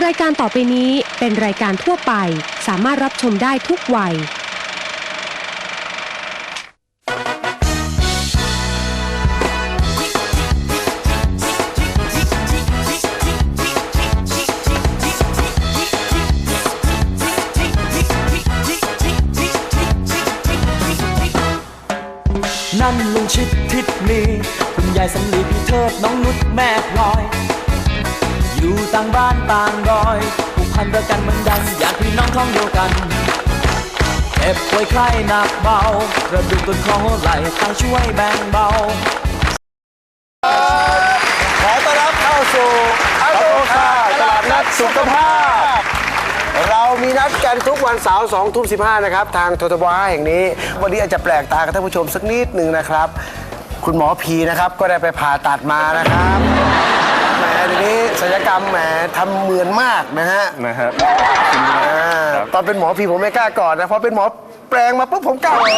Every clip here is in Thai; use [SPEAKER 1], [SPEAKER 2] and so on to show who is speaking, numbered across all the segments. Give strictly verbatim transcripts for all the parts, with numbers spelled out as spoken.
[SPEAKER 1] ายการต่อไปนี้เป็นรายการทั่วไปสามารถรับชมได้ทุกวัย
[SPEAKER 2] นั่นลุงชิดทิศมีคุณยายสำลีพี่เทิดน้องนุชแม่พลอยอยู่ต่างบ้านต่างดอยผูกพันรักกันเหมือนดังอยากพี่น้องท้องเดียวกันเจ็บป่วยไข้หนักเบากระดูกต้นคอไหล่ต่างช่วยแบ่งเบา
[SPEAKER 3] ขอต้อนรับเข้าสู่อัลโลคาตลาดนัดสุขภาพเรามีนัดกันทุกวันเสาร์สองทุ่มสิบห้านะครับทางททบห้าแห่งนี้วันนี้อาจจะแปลกตากับท่านผู้ชมสักนิดหนึ่งนะครับคุณหมอพีนะครับก็ได้ไปผ่าตัดมานะครับแหมทีนี้ศัลยกรรมแหมทำเหมือนมากนะฮะ
[SPEAKER 4] นะครับ
[SPEAKER 3] ตอนเป็นหมอพีผมไม่กล้ากอดนะเพราะเป็นหมอแปลงมาปุ๊บผมกล้าเลย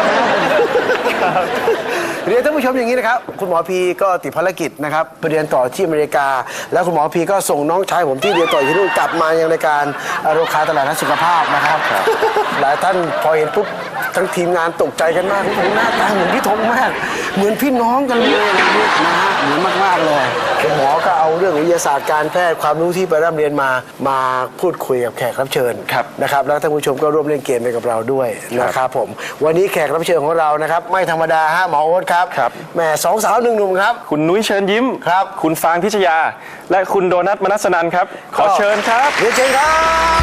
[SPEAKER 3] เรียนท่านผู้ชมอย่างนี้นะครับคุณหมอพีก็ติดภารกิจนะครับไปเรียนต่อที่อเมริกาแล้วคุณหมอพีก็ส่งน้องชายผมที่เรียนต่อที่นู่นกลับมายังรายการอโรคาตลาดนัดสุขภาพนะครับหลายท่านพอเห็นปุ๊บทั้งทีมงานตกใจกันมากผมหน้าตาเหมือนพี่ธงมากเหมือนพี่น้องกันเลยนะฮะเหมือนมากๆเลยคุณหมอก็เอาเรื่องวิทยาศาสตร์การแพทย์ความรู้ที่ไปร่ำเรียนมามาพูดคุยกับแขกรับเชิญนะครับแล้วท่านผู้ชมก็ร่วมเล่นเกมไปกับเราด้วยนะครับผมวันนี้แขกรับเชิญของเรานะครับไม่ธรรมดาฮะหมอโอ๊ตครับแหมสองสาวหนึ่งหนุ่มครับ
[SPEAKER 4] คุณนุ้ยเชิญยิ้ม
[SPEAKER 3] ครับ
[SPEAKER 4] คุณฟางพิชยาและคุณโดนัทมนัสนันครับขอเชิญครับ
[SPEAKER 3] เรียนเชิญครับ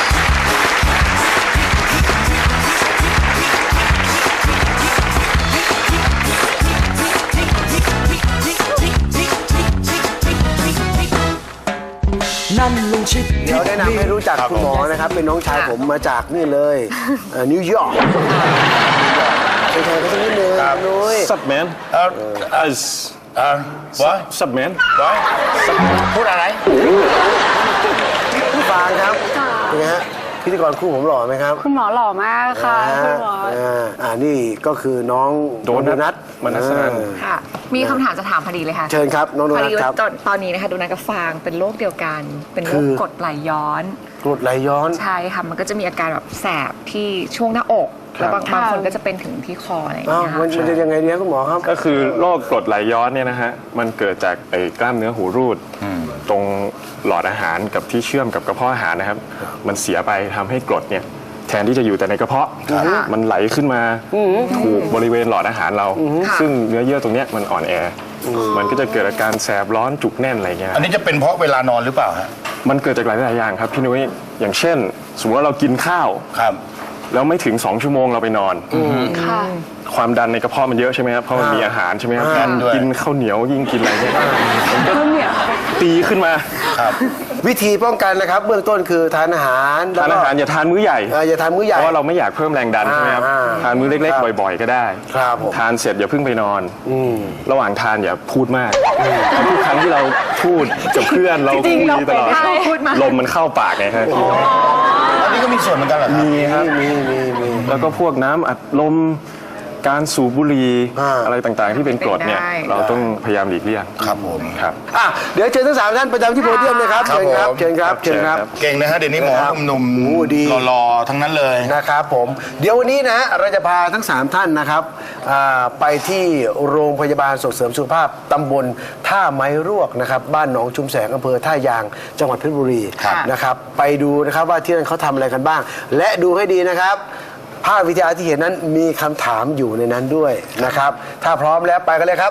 [SPEAKER 2] นั่นลุงชิด
[SPEAKER 3] เดี๋ยวแนะนำให้รู้จักคุณหมอนะครับเป็นน้องชายผมมาจากนี่เลยนิวยอร์กใช่ๆก็สักนิดนึงนุ้ย
[SPEAKER 4] Sup man
[SPEAKER 5] เอ่อเอ่อเอ่อ what
[SPEAKER 4] Sup man
[SPEAKER 5] what พูดอะไร
[SPEAKER 3] พี่ฟางครับเป็นไงฮะพิธีกรคู่ผมหล่อไหมครับ
[SPEAKER 6] คุณหมอหล่อมากค่ะคุณหมอ
[SPEAKER 3] อ่านี่ก็คือน้อง
[SPEAKER 4] โดนัทมนัสนัน
[SPEAKER 6] ค่ะมีคำถามจะถามพอดีเลยค่ะ
[SPEAKER 3] เชิญครับน้องโดนัทครับ
[SPEAKER 6] ตอนนี้นะคะโดนัทกับฟางเป็นโรคเดียวกันเป็นโรคกรดไหลย้อน
[SPEAKER 3] กรดไหลย้อน
[SPEAKER 6] ใช่ค่ะมันก็จะมีอาการแบบแสบที่ช่วงหน้าอกแล้วบางบางคนก็จะเป็นถึงที่คออะไรอย่างเงี้ย
[SPEAKER 3] มันจะยังไงเนี่ยคุณหมอครับ
[SPEAKER 4] ก็คือโรคกรดไหลย้อนเนี่ยนะฮะมันเกิดจากไอ้กล้ามเนื้อหูรูดตรงหลอดอาหารกับที่เชื่อมกับกระเพาะอาหารนะครับมันเสียไปทำให้กรดเนี่ยแทนที่จะอยู่แต่ในกระเพาะมันไหลขึ้นมาถูกบริเวณหลอดอาหารเราซึ่งเนื้อเยื่อตรงเนี้ยมันอ่อนแอมันก็จะเกิดอาการแสบร้อนจุกแน่นอะไรเงี้ย
[SPEAKER 5] อันนี้จะเป็นเพราะเวลานอนหรือเปล่าฮะ
[SPEAKER 4] มันเกิดจากหลายๆอย่างครับพี่นุ้ยอย่างเช่นสมมติว่าเรากินข้าว
[SPEAKER 5] ครับ
[SPEAKER 4] แล้วไม่ถึงสองชั่วโมงเราไปนอนความดันในกระเพาะมันเยอะใช่ไหมครับเพราะมันมีอาหารใช่ไหมครับกินข้าวเหนียวยิ่งกินอะไรเนี่ยมันก็ตีขึ้นมา
[SPEAKER 3] วิธีป้องกันนะครับเบื้องต้นคือทานอาหาร
[SPEAKER 4] ทานอาหารอย่าทานมื้อใหญ่
[SPEAKER 3] อย่าทานมื้อใหญ่
[SPEAKER 4] เพราะว่าเราไม่อยากเพิ่มแรงดันใช่ไหมครับทานมื้อเล็กๆบ่อยๆก็ได้ทานเสร็จอย่าเพิ่งไปนอนระหว่างทานอย่าพูดมากทุกครั้งที่เราพูดกับเพื่อนเราคุยตลอดลมมันเข้าปากไงครับ
[SPEAKER 5] อันนี้ก็มีส่วนเหมือนกันเหรอ
[SPEAKER 4] มีครับมีมีมีแล้วก็พวกน้ำอัดลมการสูบบุหรี่อะไรต่างๆที่เป็นกรดเนี่ยเราต้องพยายามหลีกเลี่ยง
[SPEAKER 5] ครับผม
[SPEAKER 4] ครับ
[SPEAKER 3] อ่ะเดี๋ยวเชิญทั้งสามท่านประจำที่โพเดียมเลยครับเชิญครับเชิญครับเชิญครับ
[SPEAKER 5] เก่งนะฮะเดี๋ยวนี้หมอหนุ่มๆหล่อๆทั้งนั้นเลย
[SPEAKER 3] นะครับผมเดี๋ยววันนี้นะเราจะพาทั้งสามท่านนะครับไปที่โรงพยาบาลส่งเสริมสุขภาพตำบลท่าไม้รวกนะครับบ้านหนองชุมแสงอำเภอท่ายางจังหวัดเพชรบุรีนะครับไปดูนะครับว่าที่นั่นเขาทำอะไรกันบ้างและดูให้ดีนะครับภาพวิทยาที่เห็นนั้นมีคำถามอยู่ในนั้นด้วยนะครับถ้าพร้อมแล้วไปกันเลยครับ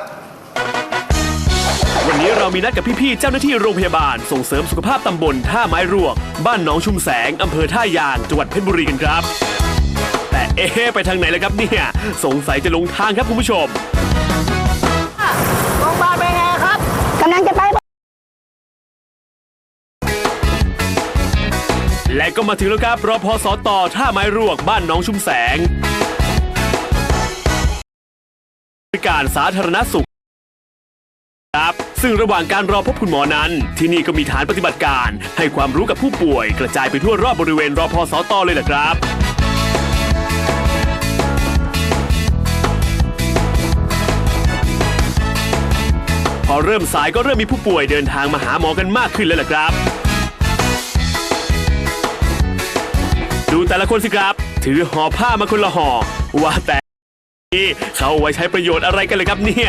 [SPEAKER 7] วันนี้เรามีนัดกับพี่ๆเจ้าหน้าที่โรงพยาบาลส่งเสริมสุขภาพตำบลท่าไม้รวกบ้านหนองชุมแสงอำเภอท่ายางจังหวัดเพชรบุรีกันครับแต่เอ๊ะไปทางไหนล่ะครับเนี่ยสงสัยจะลงทางครับคุณผู้ชม
[SPEAKER 6] โรงพยาบาลเป็นไงครับ
[SPEAKER 8] กำลังจะไป
[SPEAKER 7] และก็มาถึงแล้วครับรพสต.ท่าไม้รวกบ้านหนองชุมแสงบริการสาธารณสุขครับซึ่งระหว่างการรอพบคุณหมอนั้นที่นี่ก็มีฐานปฏิบัติการให้ความรู้กับผู้ป่วยกระจายไปทั่วรอบบริเวณรพสต.เลยแหละครับพอเริ่มสายก็เริ่มมีผู้ป่วยเดินทางมาหาหมอกันมากขึ้นแล้วแหละครับดูแต่ละคนสิครับ ถือห่อผ้ามาคนละห่อว่าแต่นี่เขาเอาไว้ใช้ประโยชน์อะไรกันเลยครับเนี่ย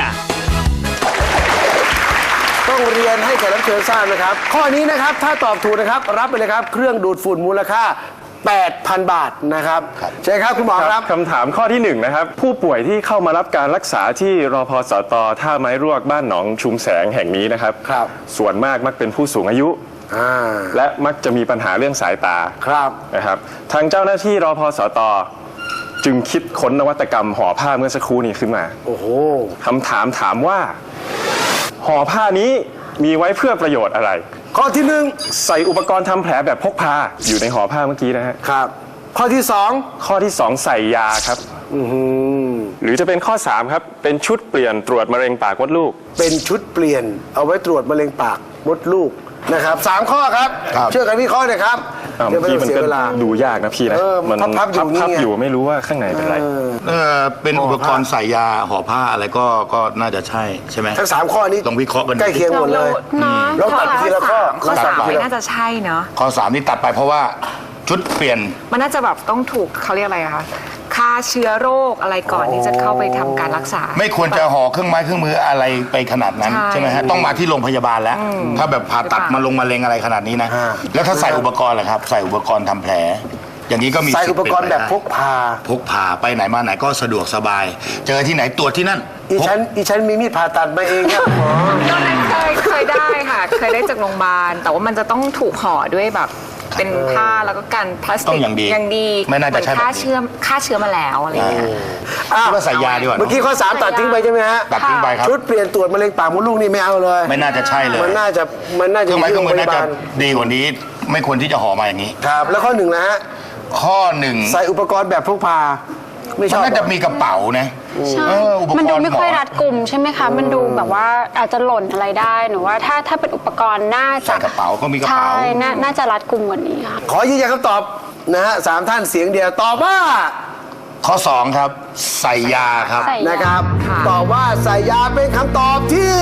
[SPEAKER 3] ต้องเรียนให้แขกรับเชิญทราบนะครับ ข้อนี้นะครับถ้าตอบถูกนะครับ รับไปเลยครับ เครื่องดูดฝุ่นมูลค่า แปดพัน บาทนะครับใช่ครับคุณหมอครับ
[SPEAKER 4] คำถามข้อที่หนึ่งนะครับ ผู้ป่วยที่เข้ามารับการรักษาที่รพสตท่าไม้รวกบ้านหนองชุมแสงแห่งนี้นะครับ
[SPEAKER 3] ครับ
[SPEAKER 4] ส่วนมากมักเป็นผู้สูงอายุ
[SPEAKER 3] อ่า
[SPEAKER 4] และมักจะมีปัญหาเรื่องสายตา
[SPEAKER 3] ครับ
[SPEAKER 4] นะครับทางเจ้าหน้าที่รพสตจึงคิดค้นนวัตกรรมห่อผ้าเมื่อสักครู่นี้ขึ้นมา
[SPEAKER 3] โอ้โห
[SPEAKER 4] คำถามถามว่าห่อผ้านี้มีไว้เพื่อประโยชน์อะไร
[SPEAKER 3] ข้อที่หนึ่ง
[SPEAKER 4] ใส่อุปกรณ์ทำแผลแบบพกพาอยู่ในห่อผ้าเมื่อกี้นะฮะ
[SPEAKER 3] ครับ ข้อที่สอง
[SPEAKER 4] ข้อที่สองใส่ยาครับ
[SPEAKER 3] อื้อหือ
[SPEAKER 4] หรือจะเป็นข้อสามครับเป็นชุดเปลี่ยนตรวจมะเร็งปากมดลูก
[SPEAKER 3] เป็นชุดเปลี่ยนเอาไว้ตรวจมะเร็งปากมดลูกนะครับสามข้อครับ
[SPEAKER 5] ครับ
[SPEAKER 3] เชื่อกันวิเคราะห์หน่อยครับ
[SPEAKER 4] อ่า
[SPEAKER 3] เดี๋ยวไม่
[SPEAKER 4] พี่
[SPEAKER 3] ต้อง
[SPEAKER 4] มัน
[SPEAKER 3] เสีย
[SPEAKER 4] ก็
[SPEAKER 3] เวลา
[SPEAKER 4] ดูยากนะพี่นะ
[SPEAKER 3] เออ
[SPEAKER 4] มัน
[SPEAKER 3] พับๆอยู่นี่
[SPEAKER 4] พับ
[SPEAKER 3] ไง
[SPEAKER 4] ๆอยู่ไม่รู้ว่าข้างในเป็นไร
[SPEAKER 5] เออเป็นอุปกรณ์ใส่ยาห่อผ้าอะไรก็ก็น่าจะใช่ใช่ไหม
[SPEAKER 3] ทั้งสามข้อนี้
[SPEAKER 5] ลองวิเคราะห์กันดู
[SPEAKER 3] ใกล้เคียงหมดเลย
[SPEAKER 6] เนาะ
[SPEAKER 3] ลองตัดทีละข้อ
[SPEAKER 6] ข้อ
[SPEAKER 3] ลองตั
[SPEAKER 6] สา
[SPEAKER 3] ด
[SPEAKER 6] ม
[SPEAKER 3] ทีละ
[SPEAKER 6] น่าจะใช่เนาะ
[SPEAKER 5] ข้อสามนี่ตัดไปเพราะว่าชุดเปลี่ยน
[SPEAKER 6] มันน่าจะแบบต้องถูกเขาเรียกอะไรอะคะฆ่าเชื้อโรคอะไรก่อนที่จะเข้าไปทำการรักษา
[SPEAKER 5] ไม่ควรจะห่อเครื่องไม้เครื่องมืออะไรไปขนาดนั้น
[SPEAKER 6] ใช่
[SPEAKER 5] ใช่ไหมฮะต้องมาที่โรงพยาบาลแล้ว ถ้าแบบผ่าตัดมาลงมาเลงอะไรขนาดนี้นะ แล้วถ้าใส่อุปกรณ์ล่ะครับ ใส่อุปกรณ์ทำแผล อย่างนี้ก็มี
[SPEAKER 3] ใส่
[SPEAKER 5] สิท
[SPEAKER 3] อุ
[SPEAKER 5] ธิ์
[SPEAKER 3] ป
[SPEAKER 5] เป็น
[SPEAKER 3] กรณ์
[SPEAKER 5] ไป
[SPEAKER 3] แบบ
[SPEAKER 5] ได้
[SPEAKER 3] พกพา
[SPEAKER 5] พกพาไปไหนมาไหนก็สะดวกสบาย เจอที่ไหนตรวจที่นั่น
[SPEAKER 3] อี
[SPEAKER 5] พก
[SPEAKER 3] ฉันอีฉันมีมีดผ่าตัดมาเองครับหมอ
[SPEAKER 6] ตอนนั้นเคยเคยได้ค่ะ เคยได้จากโรงพยาบาล แต่ว่ามันจะต้องถูกห่อด้วยแบบเป็นผ้าแล้วก็กันพลาส
[SPEAKER 5] ต้
[SPEAKER 6] ติ
[SPEAKER 5] อก งอย่างดี
[SPEAKER 6] อย่างดี
[SPEAKER 5] ไม่น่าจะใช่
[SPEAKER 6] เหมือฆ่า
[SPEAKER 5] แบบนี้
[SPEAKER 6] เชื้อฆ่าเชื้อมาแล้วอะไรอย่างเงี้ย
[SPEAKER 3] อ้าว
[SPEAKER 5] คิดว่าใส่ยาดีกว่า
[SPEAKER 3] เมื่อกี้ข้อสามตัดทิ้งไปใช่ไหมฮะ
[SPEAKER 5] ตัดทิ้งไปครับ
[SPEAKER 3] ชุดเปลี่ยนตรวจมะเร็งปากมดลูกนี่ไม่เอาเลย
[SPEAKER 5] ไม่น่าจะใช่เลย
[SPEAKER 3] มันน่าจะมันน่า
[SPEAKER 5] เค
[SPEAKER 3] จะ
[SPEAKER 5] รื่องไม้เครื่องมือ
[SPEAKER 3] ที่
[SPEAKER 5] น่า
[SPEAKER 3] โพ
[SPEAKER 5] จะ
[SPEAKER 3] ยาบาล
[SPEAKER 5] ดีกว่านี้ ไม่ควรที่จะห่อมาอย่างนี้
[SPEAKER 3] ครับ แล้วข้อหนึ่งนะฮะ
[SPEAKER 5] ข้อหนึ่ง
[SPEAKER 3] ใส่อุปกรณ์แบบพกพา ไม่ช
[SPEAKER 5] มัน
[SPEAKER 3] อบ
[SPEAKER 5] น่าจะมีกระเป๋านะ
[SPEAKER 8] ใช่
[SPEAKER 5] เอออุปกรณ์
[SPEAKER 8] มันดูไม่ค่อย
[SPEAKER 5] หมอ
[SPEAKER 8] รัดกุมใช่ไหมคะ มันดูแบบว่าอาจจะหล่นอะไรได้หนูว่าถ้าถ้าเป็นอุปกรณ์น่าจะ
[SPEAKER 5] ใส่กระเป๋าก็มีกระเป๋า
[SPEAKER 8] ใช่น่าน่าจะรัดกุมกว่านี้ค่ะ
[SPEAKER 3] ขอยืนยันคำตอบนะฮะสามท่านเสียงเดียวตอบว่า
[SPEAKER 5] ข้อสองครับ ใส่ยาครับ
[SPEAKER 8] ใส่
[SPEAKER 3] นะครับ
[SPEAKER 6] ค่ะ
[SPEAKER 3] ตอบว่าใส่ยาเป็นคำตอบที่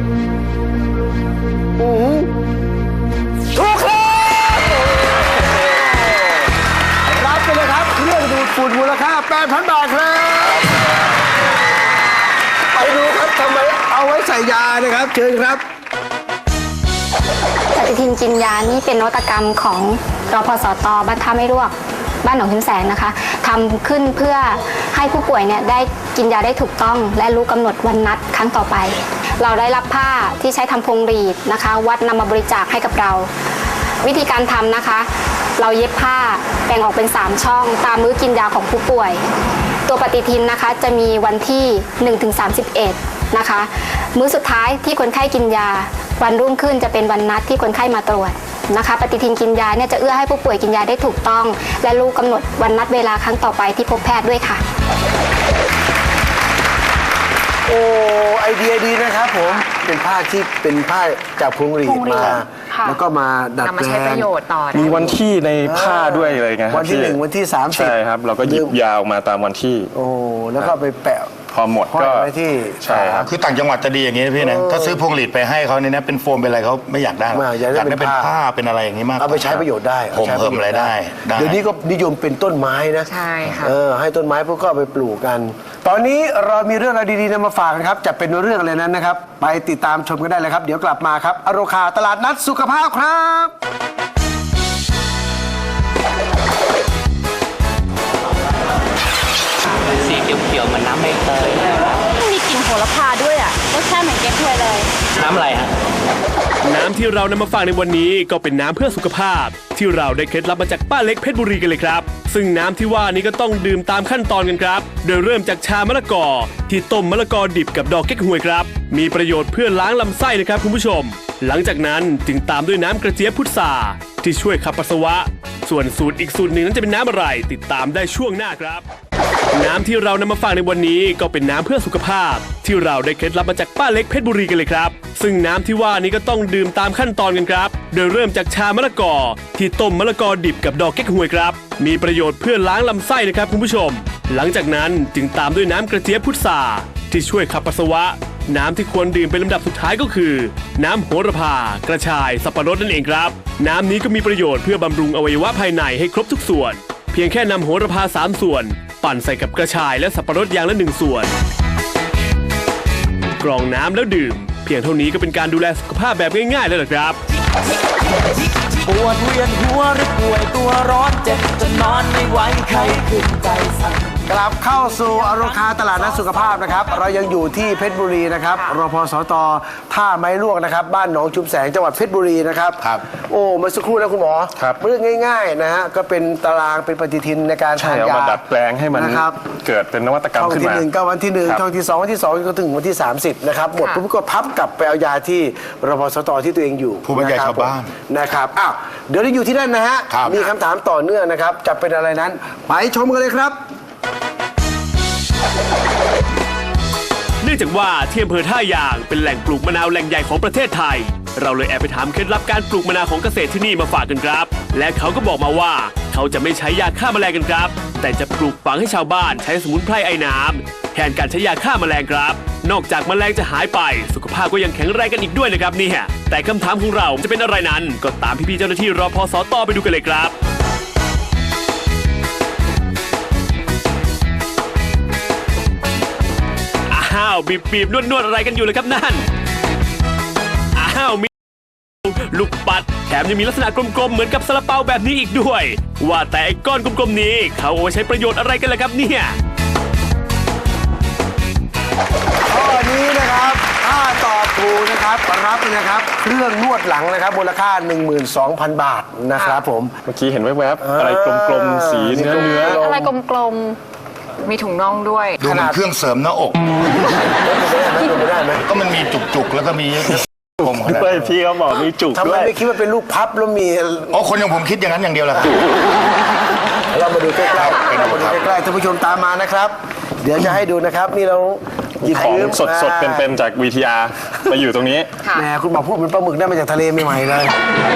[SPEAKER 3] อือหือถูกครับรับไปเลยครับเครื่องดูดฝุ่นมูลค่า แปดพัน บาทครับไปดูครับทำไมเอาไว้ใส่ยานะครับ เชิญครับ
[SPEAKER 9] ปฏิทินกินยานี่เป็นนวัตกรรมของรพสตบ้านท่าไม่รวกบ้านหนองหินแสงนะคะทำขึ้นเพื่อให้ผู้ป่วยเนี่ยได้กินยาได้ถูกต้อง และรู้กำหนดวันนัดครั้งต่อไป เราได้รับผ้าที่ใช้ทำพวงหรีดนะคะ วัดนำมาบริจาคให้กับเรา วิธีการทำนะคะ เราเย็บผ้าแบ่งออกเป็นสามช่องตามมื้อกินยาของผู้ป่วย ตัวปฏิทินนะคะจะมีวันที่หนึ่งถึงสามสิบเอ็ดนะคะ มื้อสุดท้ายที่คนไข้กินยา วันรุ่งขึ้นจะเป็นวันนัดที่คนไข้มาตรวจนะคะ ปฏิทินกินยาเนี่ยจะเอื้อให้ผู้ป่วยกินยาได้ถูกต้อง และรู้กำหนดวันนัดเวลาครั้งต่อไปที่พบแพทย์ด้วยค่ะ
[SPEAKER 3] โอ้ไอเดียดีนะครับผม เป็นผ้าที่เป็นผ้าจากพวงหรีด
[SPEAKER 9] พวงหรีด
[SPEAKER 3] มา
[SPEAKER 9] ค่ะ
[SPEAKER 3] แล้วก็มาดัด
[SPEAKER 6] นำมา
[SPEAKER 3] แปล
[SPEAKER 6] ใช้ประ
[SPEAKER 3] ง
[SPEAKER 6] โยชน์ต่อได้
[SPEAKER 4] มีวันที่ในผ้าด้วยเลยไงครับ
[SPEAKER 3] วันที่
[SPEAKER 4] พี่
[SPEAKER 3] หนึ่งวันที่สามสิบ
[SPEAKER 4] ใช่ครับ เราก็หยิบยาวมาตามวันที่
[SPEAKER 3] โอ้แล้วก็ไปแปะ
[SPEAKER 4] พอหมด
[SPEAKER 3] ห้อย
[SPEAKER 4] ก็
[SPEAKER 3] ไว้ที่
[SPEAKER 4] ใช่ครับ
[SPEAKER 5] คือต่างจังหวัดจะดีอย่างนี้นะพี่นะ ถ้าซื้อพวงหลีดไปให้เขาเนี่ยนะเป็นโฟมเป็นอะไรเขาไม่อยากได้หรอก
[SPEAKER 3] ไม่อยากได้
[SPEAKER 5] อยากได้
[SPEAKER 3] เป็
[SPEAKER 5] เป็น น
[SPEAKER 3] ผ้า
[SPEAKER 5] ผ้าเป็นอะไรอย่างนี้มากก
[SPEAKER 3] เอา
[SPEAKER 5] ว่า
[SPEAKER 3] ไปใช้ประโยชน์ได้
[SPEAKER 5] ผม
[SPEAKER 3] อาใช้ป
[SPEAKER 5] เพิ่
[SPEAKER 3] ระ
[SPEAKER 5] ม
[SPEAKER 3] โยชน์
[SPEAKER 5] รายได้ได้
[SPEAKER 3] เดี๋ยวนี้ก็นิยมเป็นต้นไม้นะ
[SPEAKER 6] ใช่ค่ะ
[SPEAKER 3] เออให้ต้นไม้พวกก็เอาไปปลูกกัน ตอนนี้เรามีเรื่องอะไรดีๆนำมาฝากนะครับ จะเป็นเรื่องอะไรนั้นนะครับ ไปติดตามชมกันได้เลยครับ เดี๋ยวกลับมาครับอโรคาตลาดนัดสุขภาพครับ
[SPEAKER 10] สีเขียวๆเหมือนน้ำใบเตย
[SPEAKER 8] มีกลิ่นโหระพาด้วยอ่ะรสชาติเหมือนเก๊กฮวยเลย
[SPEAKER 10] น้ำอะไรฮะ
[SPEAKER 7] น้ำที่เรานำมาฝากในวันนี้ก็เป็นน้ำเพื่อสุขภาพ ที่เราได้เคล็ดลับมาจากป้าเล็กเพชรบุรีกันเลยครับ ซึ่งน้ำที่ว่านี้ก็ต้องดื่มตามขั้นตอนกันครับ โดยเริ่มจากชามะละกอที่ต้มมะละกอดิบกับดอกเก๊กฮวยครับ มีประโยชน์เพื่อล้างลำไส้นะครับคุณผู้ชม หลังจากนั้นจึงตามด้วยน้ำกระเจี๊ยบพุทราที่ช่วยขับปัสสาวะ ส่วนสูตรอีกสูตรหนึ่งนั้นจะเป็นน้ำอะไร ติดตามได้ช่วงหน้าครับ น้ำที่เรานำมาฝากในวันนี้ก็เป็นน้ำเพื่อสุขภาพ ที่เราได้เคล็ดลับมาจากป้าเล็กเพชรบุรีกันเลยครับ ซึ่งน้ำที่ว่านี้ก็ต้องดื่มตามขั้นตอนกันครับ โดยเริ่มจากชามะละกอที่ต้มมะละกอดิบกับดอกเก๊กฮวยครับ มีประโยชน์เพื่อล้างลำไส้นะครับคุณผู้ชม หลังจากนั้นจึงตามด้วยน้ำกระเจี๊ยบพุทราที่ช่วยขับปัสสาวะ น้ำที่ควรดื่มเป็นลำดับสุดท้ายก็คือ น้ำโหระพากระชายสับปะรดนั่นเองครับ น้ำนี้ก็มีประโยชน์เพื่อบำรุงอวัยวะภายในให้ครบทุกส่วนเพียงแค่นำโหระพาสามส่วน ปั่นใส่กับกระชายและสับปะรดอย่างละหนึ่งส่วน กรองน้ำแล้วดื่ม เพียงเท่านี้ก็เป็นการดูแลสุขภาพแบบง่ายๆแล้วล่ะครับ
[SPEAKER 2] ปวดเวียนหัวหรือป่วยตัวร้อนเจ็บจนนอนไม่ไหวใครขึ้นใจสั่น
[SPEAKER 3] กลับเข้าสู่อโรคาตลาดนัดสุขภาพนะครับเรายังอยู่ที่เพชรบุรีนะครับรพสตท่าไม้ลวกนะครับบ้านหนองชุมแสงจังหวัดเพชรบุรีนะครับ
[SPEAKER 5] ครับ
[SPEAKER 3] โอ้เมื่อสักครู่นะคุณหมอ
[SPEAKER 4] ครับ
[SPEAKER 3] เรื่องง่ายๆนะฮะก็เป็นตารางเป็นปฏิทินในการ
[SPEAKER 4] ใช่
[SPEAKER 3] ทาน
[SPEAKER 4] เอา
[SPEAKER 3] ยา
[SPEAKER 4] มาดัดแปลงให้มัน
[SPEAKER 3] นะครับ
[SPEAKER 4] เกิดเป็นนวัตกรรม
[SPEAKER 3] ช่อง
[SPEAKER 4] ขึ้น
[SPEAKER 3] ที่
[SPEAKER 4] มา
[SPEAKER 3] หนึ่งก็วันที่หนึ่ง
[SPEAKER 4] ครับ
[SPEAKER 3] ช่องที่สองวันที่สองก็ถึงวันที่สามสิบนะครับหมดปุ๊บก็พับกลับไปเอายาที่รพสตที่ตัวเองอยู่
[SPEAKER 5] ผู้บรรยาย
[SPEAKER 3] ะค
[SPEAKER 5] ชาวบ้าน
[SPEAKER 3] นะครับอ้าวเดี๋ยวเราอยู่ที่นั่นนะฮะ
[SPEAKER 5] ครับ
[SPEAKER 3] มีคำถามต่อเนื่องนะครับจะเป็นอะไรนั้นไปชมกันเลยครับ
[SPEAKER 7] เนื่องจากว่าที่อำเภอท่ายางเป็นแหล่งปลูกมะนาวแหล่งใหญ่ของประเทศไทย เราเลยแอบไปถามเคล็ดลับการปลูกมะนาวของเกษตรที่นี่มาฝากกันครับ และเขาก็บอกมาว่าเขาจะไม่ใช้ยาฆ่าแมลงกันครับ แต่จะปลูกฝังให้ชาวบ้านใช้สมุนไพรไอ้น้ำแทนการใช้ยาฆ่าแมลงครับ นอกจากแมลงจะหายไป สุขภาพก็ยังแข็งแรงกันอีกด้วยนะครับเนี่ยแต่คำถามของเราจะเป็นอะไรนั้นก็ตามพี่ๆเจ้าหน้าที่รพสตไปดูกันเลยครับอ้าวบีบบีบนวดนวดอะไรกันอยู่เลยครับนั่นอ้าวมีลูกปัดแถมยังมีลักษณะกลมๆเหมือนกับซาลาเปาแบบนี้อีกด้วย ว่าแต่ไอ้ก้อนกลมๆนี้เขาเอาไว้ใช้ประโยชน์อะไรกันล่ะครับเนี่ย
[SPEAKER 3] ข้อนี้นะครับถ้าตอบถูกนะครับรับเลยนะครับเครื่องนวดหลังนะครับมูลค่า หนึ่งหมื่นสองพัน บาทนะครับผม
[SPEAKER 4] เมื่อกี้เห็นแวบๆอะไรกลมๆสีเนื้อเนื้อ
[SPEAKER 8] อะไรกลม
[SPEAKER 6] มีถุงน่องด้วย
[SPEAKER 5] ดูเหมือนเครื่องเสริมหน้าอก
[SPEAKER 3] ไม่ได้ไหม
[SPEAKER 5] ก็มันมีจุกๆ แล้วก็มีผมขนาด
[SPEAKER 4] เฮ้ยพี่เขาบอกมีจุก
[SPEAKER 3] ทำ
[SPEAKER 4] ด้
[SPEAKER 3] ไม
[SPEAKER 4] วย
[SPEAKER 3] ไม่คิดว่าเป็นลูกพับแล้วมี
[SPEAKER 5] อ๋อคนอย่างผมคิดอย่างนั้นอย่างเดียวแหละครับ
[SPEAKER 3] เรามาดูใกล้
[SPEAKER 5] ครับ
[SPEAKER 3] ๆเรามาดูใกล้ๆท่านผู้ชมตามมานะครับ เดี๋ยวจะให้ดูนะครับ นี่เราหยิบ
[SPEAKER 4] ของ
[SPEAKER 3] ยืม
[SPEAKER 4] สดๆเป็นๆจาก วี ที อาร์ มาอยู่ตรงนี้
[SPEAKER 6] ค่ะ
[SPEAKER 3] แหมคุณหมอพูดเหมือนปลาหมึกได้มาจากทะเลใหม่ๆเลย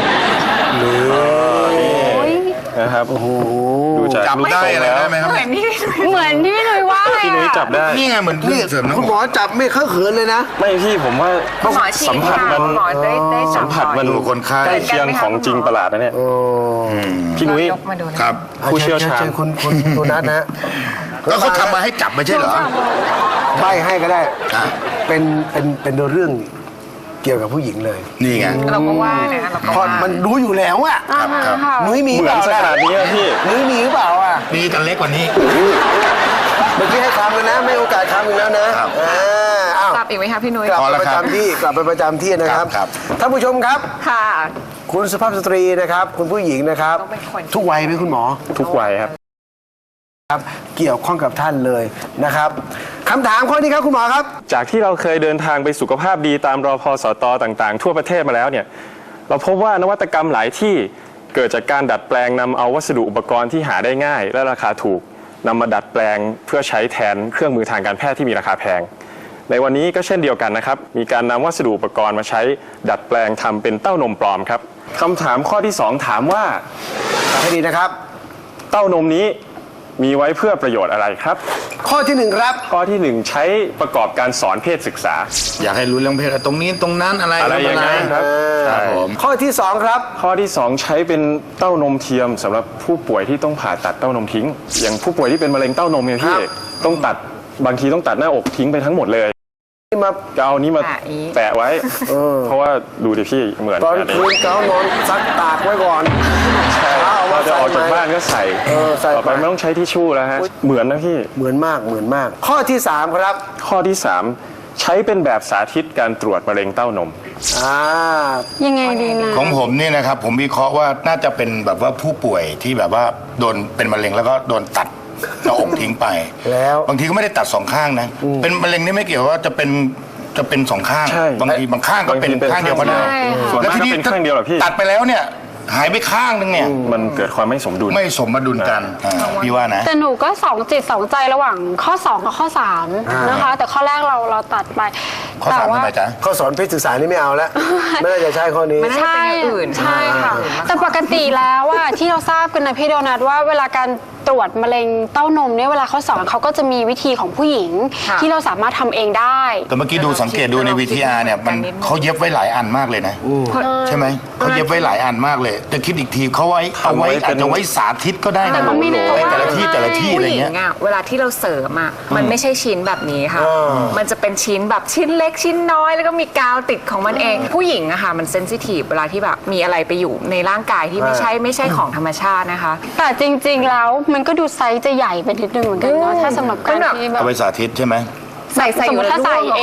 [SPEAKER 3] นี่
[SPEAKER 4] นะครับ
[SPEAKER 3] โอ้โห
[SPEAKER 4] ดูจาก
[SPEAKER 5] จับ
[SPEAKER 4] รูป
[SPEAKER 5] ได้
[SPEAKER 4] ทรง
[SPEAKER 5] อะไร
[SPEAKER 4] แล้ว
[SPEAKER 5] ได้ไหมครับ
[SPEAKER 6] เหมือนที่
[SPEAKER 8] ๆ เหมือนที่พี่หนุ่ยว่าเลย
[SPEAKER 4] พี่นุ้ย
[SPEAKER 8] อะ
[SPEAKER 4] จับได้
[SPEAKER 5] นี่ไงเหมือนเครื่
[SPEAKER 3] นี่
[SPEAKER 5] องเสริมหน้า
[SPEAKER 3] คุณหม
[SPEAKER 5] อ
[SPEAKER 3] อก จับไม่เข้าเขินเลยนะ
[SPEAKER 4] ไม่พี่ผมว่า
[SPEAKER 6] คุณหมอฉีด
[SPEAKER 4] สัมผัสมัน
[SPEAKER 6] คุณหมอได้ได้จั
[SPEAKER 4] สั
[SPEAKER 6] บ
[SPEAKER 4] มผัสมัน
[SPEAKER 5] ดูคนไข้
[SPEAKER 4] ใกล้เคียงของจริงประหลาดนะเนี่ยพี่นุ้ย
[SPEAKER 6] ยกมาดูนะ
[SPEAKER 5] ครับ
[SPEAKER 4] ผู้เชี่ยวชาญ
[SPEAKER 3] เชิญคุณคุณคุณนัทนะฮะ
[SPEAKER 5] แล้วเขาทำมาให้จับไม่ใช่เหรอ
[SPEAKER 3] ใบให้ก็ได้
[SPEAKER 5] อ่ะ
[SPEAKER 3] เป็นเป็นเป็นเรื่องเกี่ยวกับผู้หญิงเลย
[SPEAKER 5] นี่ไง
[SPEAKER 6] เราก็ว่านะคะเราก็
[SPEAKER 3] พอ
[SPEAKER 6] ว่า
[SPEAKER 3] มันรู้อยู่แล้วอะ
[SPEAKER 5] ครับครับ
[SPEAKER 3] นุ้ยมี
[SPEAKER 4] เหมือน
[SPEAKER 3] เป
[SPEAKER 4] ส
[SPEAKER 3] ล่า
[SPEAKER 4] ถานนี้อะพี่
[SPEAKER 3] นุ้ยมีหรือเปล่าอ่ะ
[SPEAKER 5] มีกันเล็กกว่านี้
[SPEAKER 3] เมื่อกี้ให้คำกันนะ ไม่โอกาสคำอีกแล้วนะครับ อ่าอ้าว
[SPEAKER 6] จับอีกไหมคะพี่นุ้ย
[SPEAKER 3] กลับ
[SPEAKER 5] พอ
[SPEAKER 3] ไป
[SPEAKER 5] แล้ว
[SPEAKER 3] ประ
[SPEAKER 5] ครับ
[SPEAKER 3] จำที่กลับไปประจำที่นะครับ
[SPEAKER 5] ครับ
[SPEAKER 3] ท่านผู้ชมครับ
[SPEAKER 6] ค่ะ
[SPEAKER 3] คุณสุภาพสตรีนะครับ คุณผู้หญิงนะครับ
[SPEAKER 6] ต้องเป็นคน
[SPEAKER 3] ทุกวัยไหมคุณหมอ
[SPEAKER 4] ทุกวัยครับ
[SPEAKER 3] ครับ เกี่ยวข้องกับท่านเลยนะครับคำถามข้อนี้ครับคุณหมอครับ
[SPEAKER 4] จากที่เราเคยเดินทางไปสุขภาพดีตามรพสตต่างๆ ทั่วประเทศมาแล้วเนี่ยเราพบว่านวัตกรรมหลายที่เกิดจากการดัดแปลงนำเอาวัสดุอุปกรณ์ที่หาได้ง่าย และราคาถูกนำมาดัดแปลงเพื่อใช้แทนเครื่องมือทางการแพทย์ที่มีราคาแพง ในวันนี้ก็เช่นเดียวกันนะครับมีการนำวัสดุอุปกรณ์มาใช้ดัดแปลงทำเป็นเต้านมปลอมครับคำถามข้อที่สองถามว่า
[SPEAKER 3] ให้ดีนะครับ
[SPEAKER 4] เต้านมนี้มีไว้เพื่อประโยชน์อะไรครับ
[SPEAKER 3] ข้อที่หนึ่งครับ
[SPEAKER 4] ข้อที่หนึ่งใช้ประกอบการสอนเพศศึกษา
[SPEAKER 5] อยากให้รู้เรื่องเพศตรงนี้ตรงนั้นอะไร
[SPEAKER 4] อะไรอย่างนั้นครับ
[SPEAKER 5] ครับ
[SPEAKER 4] ใช่
[SPEAKER 5] ผม
[SPEAKER 3] ข้อที่สองครับ
[SPEAKER 4] ข้อที่สองใช้เป็นเต้านมเทียมสำหรับผู้ป่วยที่ต้องผ่าตัดเต้านมทิ้ง อย่างผู้ป่วยที่เป็นมะเร็งเต้านมเนี่ยพี่
[SPEAKER 3] ครับ
[SPEAKER 4] ต้องตัดบางทีต้องตัดหน้าอกทิ้งไปทั้งหมดเลย
[SPEAKER 3] ที่มา
[SPEAKER 4] จะเอานี้มา
[SPEAKER 6] แปะอีก
[SPEAKER 4] แปะไว้ เพราะว่าดูดิพี่เหมือน
[SPEAKER 3] ตอน
[SPEAKER 4] กั
[SPEAKER 3] คืนเก้านอนซักตากไว้ก่อน
[SPEAKER 4] ใช่
[SPEAKER 3] เอามา
[SPEAKER 4] เราจะออก
[SPEAKER 3] ใส่
[SPEAKER 4] จาก
[SPEAKER 3] ไหม
[SPEAKER 4] บ้านก็ใส่
[SPEAKER 3] เออใส่
[SPEAKER 4] ต่อไป
[SPEAKER 3] ไป
[SPEAKER 4] ไม่ต้องใช้ทิชชู่แล้วฮะเหมือนนะพี่
[SPEAKER 3] เหมือนมากเหมือนมาก ข้อที่สามครับ
[SPEAKER 4] ข้อที่สามใช้เป็นแบบสาธิตการตรวจมะเร็งเต้านม
[SPEAKER 3] อ่า
[SPEAKER 8] ยังไงดีนะ
[SPEAKER 5] ของผมเนี่ยนะครับผมวิเคราะห์ว่าน่าจะเป็นแบบว่าผู้ป่วยที่แบบว่าโดนเป็นมะเร็งแล้วก็โดนตัดหน้าอกทิ้งไป
[SPEAKER 3] แล้ว
[SPEAKER 5] บางทีก็ไม่ได้ตัดสองข้างนะ เป็นมะเร็งนี่ไม่เกี่ยวว่าจะเป็นจะเป็นสองข้าง
[SPEAKER 4] ใช่
[SPEAKER 5] บางทีบางข้างก็เป็น
[SPEAKER 4] บางทีเป็น
[SPEAKER 5] ข้างเดียวก็ได้
[SPEAKER 8] ใช่ค่ะ
[SPEAKER 4] ส่วนมากก็เป็นข้างเดียวเหรอพี่
[SPEAKER 5] ตัดไปแล้วเนี่ยหายไปข้างนึงเนี่ย
[SPEAKER 4] มันเกิดความไม่สมดุล
[SPEAKER 5] ไม่สมดุลกันอ่าพี่ว่านะ
[SPEAKER 8] แต่หนูก็สองจิตสองใจระหว่างข้อสองกับข้อสามนะคะ แต่ข้อแรกเราเราตัดไป
[SPEAKER 5] ข้อสาม
[SPEAKER 8] แต่ว่า
[SPEAKER 5] ทำไมจ๊ะ
[SPEAKER 3] ข้อสอนเพศศึกษานี่ไม่เอาแล้ว ไม่น่าจะใช่ข้อนี้
[SPEAKER 6] มันน่าจะ
[SPEAKER 8] ใช่
[SPEAKER 6] เป็นอย่างอื่น
[SPEAKER 8] ใช่ค่ะ
[SPEAKER 6] อื่นมากกว่า
[SPEAKER 8] แต่ปกติแล้วว่าที่เราทราบกันนะพี่โดนัทว่าเวลาการตรวจมะเร็งเต้านมเนี่ยเวลาเขาสอนเขาก็จะมีวิธีของผู้หญิง
[SPEAKER 6] ค่ะ
[SPEAKER 8] ที่เราสามารถทำเองได้
[SPEAKER 5] แต่เมื่อกี้ดูสังเกตดูใน วี ที อาร์ เนี่ยมันเขาเย็บไว้หลายอันมากเลยนะใช่ไหมเขาเย็บไว้หลายอันมากเลยแต่คิดอีกทีเขาไว้เอาไว้อาจจะไว้สาธิตก็ได้นะ
[SPEAKER 8] แต่ก็ไม่แน่
[SPEAKER 5] ไว้แต่ละที่แต่ละที่อะไร
[SPEAKER 6] ผู้หญิ
[SPEAKER 5] เงี้
[SPEAKER 6] ง
[SPEAKER 5] ย
[SPEAKER 6] อะเวลาที่เราเสริมอะมันไม่ใช่ชิ้นแบบนี้ค่ะ มันจะเป็นชิ้นแบบชิ้นเล็กชิ้นน้อยแล้วก็มีกาวติดของมันเอง ผู้หญิงอะค่ะมันเซนซิทีฟเวลาที่แบบมีอะไรไปอยู่ในร่างกายที่ไม่ใช่ไม่ใช่ของธรรมชาตินะคะ
[SPEAKER 8] แต่จริงๆแล้วมันก็ดูไซส์จะใหญ่ไปนิดนึงเหมือนกันเนาะถ้าสำหรับการที่แบบ
[SPEAKER 5] เอาไปสาธิตใช่ไหม
[SPEAKER 6] ใส่ใส่
[SPEAKER 8] สม
[SPEAKER 6] อ
[SPEAKER 8] มุ
[SPEAKER 6] ยู่
[SPEAKER 8] ติถ้าใส่เอง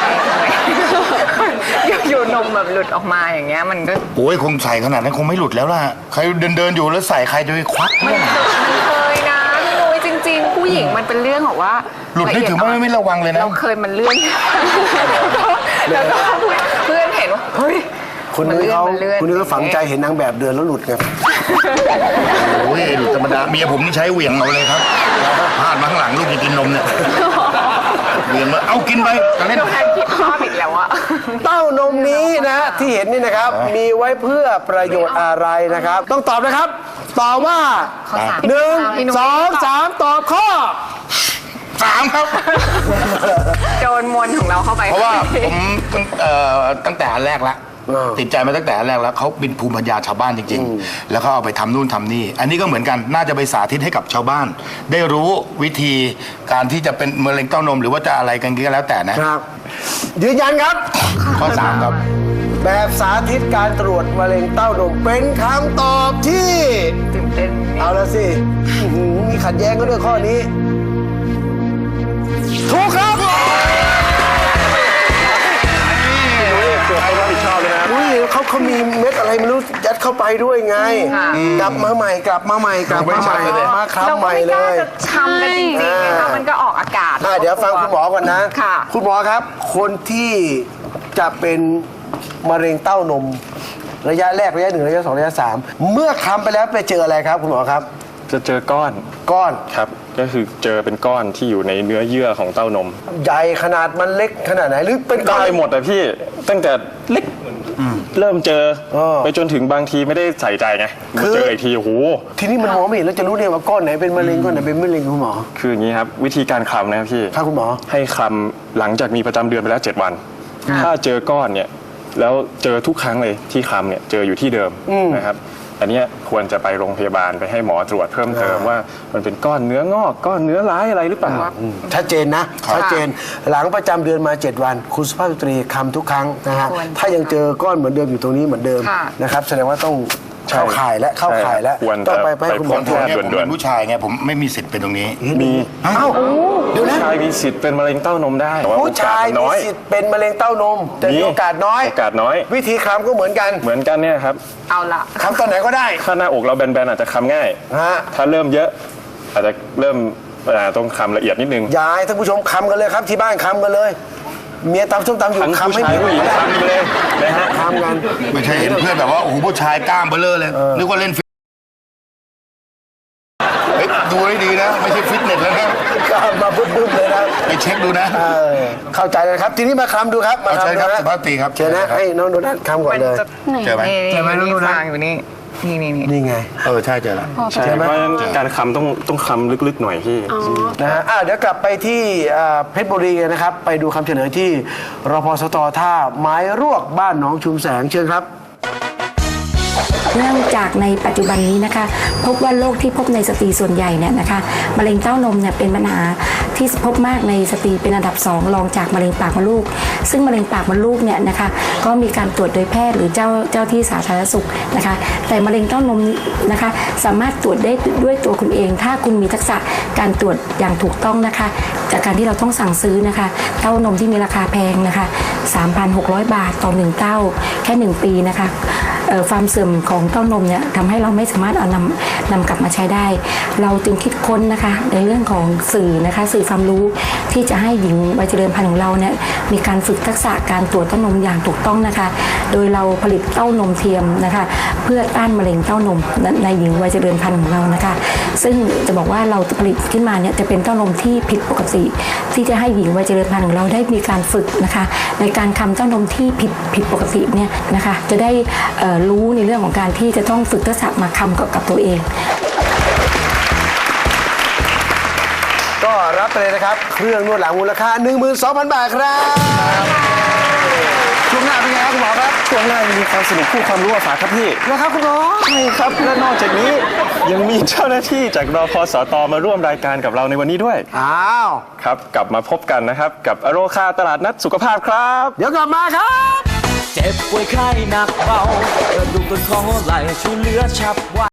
[SPEAKER 6] อยู่อยู่นมแบบหลุดออกมาอย่างเงี้ยมันก็
[SPEAKER 5] โอ้ยคงใส่ขนาดนั้นคงไม่หลุดแล้วล่ะใครเดินเดินๆอยู่แล้วใส่ใครจะไปควัก
[SPEAKER 6] มันเคยนะพี่นุ้ยจริง ๆ ผู้หญิงมันเป็นเรื่องของว่า
[SPEAKER 5] หลุดนี่ถือว่าไม่ระวังเลยนะ
[SPEAKER 6] เราเคยมันเลื่อนแล้วก็เพื่อนเห็นว่าเฮ้ย
[SPEAKER 3] คุณนุ้ยเขาคุณนุ้ยเขาฝังใจเห็นนางแบบเดินแล้วหลุดไง
[SPEAKER 5] โอ้ยหลุดธรรมดาเมียผมนี่ใช้เหวี่ยงเอาเลยครับพลาดมาข้างหลังลูกจะกินนมเนี่ยเหวี่ยงมาเอากินไปจะเล่น
[SPEAKER 6] เราแทนคิดภาพอีกแล้วอะ
[SPEAKER 3] เต้านมนี้นะที่เห็นนี่นะครับ มีไว้เพื่อประโยชน์อะไรนะครับ ต้องตอบนะครับ ตอบว่า
[SPEAKER 6] ข้อสาม
[SPEAKER 3] หนึ่ง
[SPEAKER 6] พี่นุ้ย
[SPEAKER 3] สองสามตอบข้อ
[SPEAKER 5] สามครับ
[SPEAKER 6] โดนมวลของเราเข้าไป
[SPEAKER 5] เพราะว่าผมตั้งเอ่อตั้งแต่อันแรกแล้ว
[SPEAKER 3] อ่า
[SPEAKER 5] ติดใจมาตั้งแต่อันแรกแล้วเขาเป็นภูมิปัญญาชาวบ้านจริง ๆ แล้วเขาเอาไปทำนู่นทำนี่ อันนี้ก็เหมือนกันน่าจะไปสาธิตให้กับชาวบ้าน ได้รู้วิธีการที่จะเป็นมะเร็งเต้านมหรือว่าจะอะไรกันก็แล้วแต่นะครับ
[SPEAKER 3] ยืนยันครับ
[SPEAKER 5] ข้อสามครับ
[SPEAKER 3] แบบสาธิตการตรวจมะเร็งเต้านมเป็นคำตอบที่
[SPEAKER 6] ตื่นเต้น
[SPEAKER 3] เอาละสิอื้อหือมีขัดแย้งกันด้วยข้อนี้ ถูกครับ
[SPEAKER 4] รับผิดชอบเลยนะ
[SPEAKER 3] อุ้ยเขาเขามีเม็ดอะไรไม่รู้ยัดเข้าไปด้วยไง กลับมาใหม่กลับมาใหม่กลับมาใหม่มาครับ
[SPEAKER 6] เรา
[SPEAKER 3] ให
[SPEAKER 6] ก็
[SPEAKER 3] ม่
[SPEAKER 6] ไม่
[SPEAKER 3] เล
[SPEAKER 6] กล้าย จะทำกันจริงๆนะคะมันก็ออกอากาศ
[SPEAKER 3] อ่ะเดี๋ยวฟังคุณหมอก่อนนะ
[SPEAKER 6] ค่ะ
[SPEAKER 3] คุณหมอครับ คนที่จะเป็นมะเร็งเต้านม ระยะแรกระยะหนึ่งระยะสองระยะสามเมื่อคำไปแล้วไปเจออะไรครับ คุณหมอครับ
[SPEAKER 4] จะเจอก้อน
[SPEAKER 3] ก้อน
[SPEAKER 4] ครับ ก็คือเจอเป็นก้อนที่อยู่ในเนื้อเยื่อของเต้านม
[SPEAKER 3] ใหญ่ขนาดมันเล็กขนาดไหนหรือเป็นก้อน
[SPEAKER 4] ได้หมดอะพี่ตั้งแต่เล็กเริ่มเจอ
[SPEAKER 3] เออ
[SPEAKER 4] ไปจนถึงบางทีไม่ได้ใส่ใจไง
[SPEAKER 3] คือ
[SPEAKER 4] เจออีกทีโอ้โห
[SPEAKER 3] ทีนี้มันมองไม่เห็นแล้วจะรู้ได้ว่าก้อนไหนเป็นมะเร็งก้อนไหนเป็นมะเร็งคุณหมอ
[SPEAKER 4] คืออย่างนี้ครับ วิธีการคลำนะครับพี่
[SPEAKER 3] ครับคุณหมอ
[SPEAKER 4] ให้คลำหลังจากมีประจำเดือนไปแล้วเจ็ดวัน ถ้าเจอก้อนเนี่ยแล้วเจอทุกครั้งเลยที่คลำเนี่ยเจออยู่ที่เดิมนะครับอันเนี้ยควรจะไปโรงพยาบาลไปให้หมอตรวจเพิ่มเติมว่ามันเป็นก้อนเนื้องอกก้อนเนื้อร้ายอะไรหรือเปล่า
[SPEAKER 3] ชัดเจนนะชัดเจนหลังประจำเดือนมา เจ็ด วัน คุณสุภาพสตรีคำทุกครั้งนะฮะ
[SPEAKER 6] ควร
[SPEAKER 3] ถ้ายังเจอก้อนเหมือนเดิมอยู่ตรงนี้เหมือนเดิม
[SPEAKER 6] ค่ะ
[SPEAKER 3] นะครับแสดงว่าต้อง
[SPEAKER 4] ใช่
[SPEAKER 3] เข้าข่ายและเข้าข่ายแล้ว
[SPEAKER 4] ควร
[SPEAKER 3] ต้องไป
[SPEAKER 4] จะ
[SPEAKER 3] ไปให้คุณหมอ
[SPEAKER 4] ไปพบ
[SPEAKER 3] ตรวจ
[SPEAKER 4] แพทย์
[SPEAKER 5] ผมเป็นผู้ชายไงผมไม่มีสิทธิ์เป็นตรงนี้
[SPEAKER 4] มี
[SPEAKER 3] เอ้าเดี๋ยวนะ
[SPEAKER 4] ผู้ชายมีสิทธิ์เป็นมะเร็งเต้านมได้แต่ว่า
[SPEAKER 3] ผู้ชาย
[SPEAKER 4] โอกสมัน
[SPEAKER 3] มี
[SPEAKER 4] น้อย
[SPEAKER 3] สิทธิ์เป็นมะเร็งเต้านม แต่มีโอกาสน้อย
[SPEAKER 4] โอกาสน้อย
[SPEAKER 3] วิธีคำก็เหมือนกัน
[SPEAKER 4] เหมือนกันเนี่ยครับ
[SPEAKER 6] เอาละ
[SPEAKER 3] คำตอนไหนก็ได้
[SPEAKER 4] ถ้าหน้าอกเราแบนๆอาจจะคำง่าย
[SPEAKER 3] ฮะ
[SPEAKER 4] ถ้าเริ่มเยอะ อาจจะเริ่มอ่าต้องคำละเอียดนิดนึง
[SPEAKER 3] ยายท่านผู้ชมคำกันเลยครับที่บ้านคำกันเลย เมียตำส้มตำอยู่
[SPEAKER 4] ทั้ง
[SPEAKER 3] คำ
[SPEAKER 4] ผู้
[SPEAKER 3] ให้
[SPEAKER 4] ชาย
[SPEAKER 3] เมีย
[SPEAKER 4] ผู้หญิง
[SPEAKER 3] ก็ได้
[SPEAKER 4] คำไปเลยนะฮะ
[SPEAKER 3] คำกัน
[SPEAKER 5] ไม่ใช่เห็นเพื่อนแบบว่าโอ้โหผู้ชายกล้ามเบลเลอร์เลยนึกว่าเล่นฟิตเฮ้ยดูให้ดีนะ ไม่ใช่ฟิตเนสแล้วนะ
[SPEAKER 3] คำมาบึ้มๆเลยนะ
[SPEAKER 5] ไปเช็คดูนะ
[SPEAKER 3] เออเข้าใจเลยครับ ทีนี้มาคำดูครับมา
[SPEAKER 5] เอาเชิญ
[SPEAKER 3] คำดู
[SPEAKER 5] ครับ
[SPEAKER 3] นะ
[SPEAKER 5] สุภาพสตรีครับ
[SPEAKER 3] เชิญนะให้น้องโดนัทคำก่อนเลย
[SPEAKER 5] เจอไหม
[SPEAKER 6] นี่
[SPEAKER 3] เจอไหมน้องดูนะ
[SPEAKER 6] ฟางอยู่นี่นี่นี่นี่
[SPEAKER 3] นี่ไง
[SPEAKER 5] เออใช่เจอแล้ว
[SPEAKER 4] ใช่เพราะฉะนั้นการคำต้องต้องคำลึกๆหน่อยพี่
[SPEAKER 3] นะฮะอ่ะเดี๋ยวกลับไปที่อ่าเพชรบุรีกันนะครับ ไปดูคำเฉลยที่รพสตท่าไม้รวกบ้านหนองชุมแสงเชิญครับ
[SPEAKER 11] เนื่องจากในปัจจุบันนี้นะคะพบว่าโรคที่พบในสตรีส่วนใหญ่เนี่ยนะคะมะเร็งเต้านมเนี่ยเป็นปัญหาที่พบมากในสตรีเป็นอันดับสองรองจากมะเร็งปากมดลูกซึ่งมะเร็งปากมดลูกเนี่ยนะคะก็มีการตรวจโดยแพทย์หรือเจ้าเจ้าที่สาธารณสุขนะคะแต่มะเร็งเต้านมนะคะสามารถตรวจได้ด้วยตัวคุณเอง ถ้าคุณมีทักษะการตรวจอย่างถูกต้องนะคะจากการที่เราต้องสั่งซื้อนะคะเต้านมที่มีราคาแพงนะคะ สามพันหกร้อย บาทต่อหนึ่งเต้าแค่หนึ่งปีนะคะความเสื่อมของเต้านมเนี่ยทำให้เราไม่สามารถเอานำนำกลับมาใช้ได้ เราจึงคิดค้นนะคะในเรื่องของสื่อนะคะสื่อความรู้ที่จะให้หญิงวัยเจริญพันธุ์ของเราเนี่ยมีการฝึกทักษะการตรวจเต้านมอย่างถูกต้องนะคะโดยเราผลิตเต้านมเทียมนะคะเพื่อต้านมะเร็งเต้านมในหญิงวัยเจริญพันธุ์ของเรานะคะซึ่งจะบอกว่าเราผลิตขึ้นมาเนี่ยจะเป็นเต้านมที่ผิดปกติที่จะให้หญิงวัยเจริญพันธุ์ของเราได้มีการฝึกนะคะในการคำเต้านมที่ผิดผิดปกติเนี่ยนะคะจะได้รู้ในเรื่องของการที่จะต้องฝึกทักษะมาคำกับกับตัวเอง
[SPEAKER 3] รับไปเลยนะครับ เครื่องนวดหลังมูลค่า หนึ่งหมื่นสองพัน บาทครับช่วงหน้าเป็นไงครับคุณหมอครับ
[SPEAKER 4] ช่วงหน้ายังมีความสนุกคู่ความรู้มาฝากครับพี่
[SPEAKER 3] นะครับคุณหมอ
[SPEAKER 4] ใช่ครับ และนอกจากนี้ยังมีเจ้าหน้าที่จากรพสตมาร่วมรายการกับเราในวันนี้ด้วย
[SPEAKER 3] อ้าว
[SPEAKER 4] ครับ กลับมาพบกันนะครับ กับอโรคาตลาดนัดสุขภาพครับ
[SPEAKER 3] เดี๋ยวกลับมาครับ
[SPEAKER 2] เจ็บป่วยไข้หนักเบากระดูกต้นคอไหล่ช่วยเหลือฉับไว